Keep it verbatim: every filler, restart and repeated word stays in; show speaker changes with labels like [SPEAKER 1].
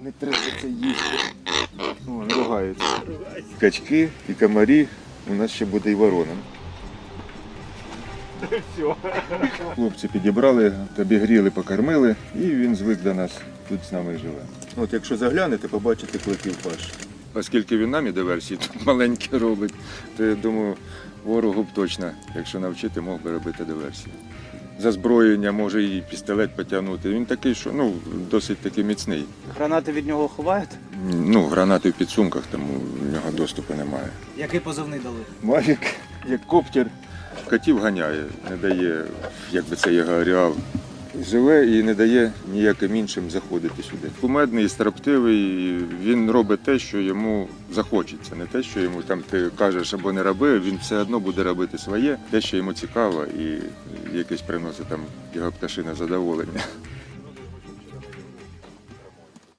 [SPEAKER 1] Не треба це їсти. Вон, ругаються. Качки і комарі. У нас ще буде і ворона. Хлопці підібрали, обігріли, покормили, і він звик до нас, тут з нами живе. От якщо заглянете, побачите кликів паш. Оскільки він нам і диверсії тут маленькі робить, то я думаю, ворогу б точно, якщо навчити, мог би робити диверсії. За зброєння може і пістолет потягнути. Він такий, що ну, досить таки міцний.
[SPEAKER 2] Гранати від нього ховають?
[SPEAKER 1] Ну, гранати в підсумках, тому в нього доступу немає.
[SPEAKER 2] Який позивний дали?
[SPEAKER 1] Мавік, як коптер, котів ганяє, не дає, як би це його ареал. Живе і не дає ніяким іншим заходити сюди. Кумедний, строптивий, він робить те, що йому захочеться. Не те, що йому там ти кажеш або не роби, він все одно буде робити своє, те, що йому цікаво і якесь приносить там його пташине задоволення.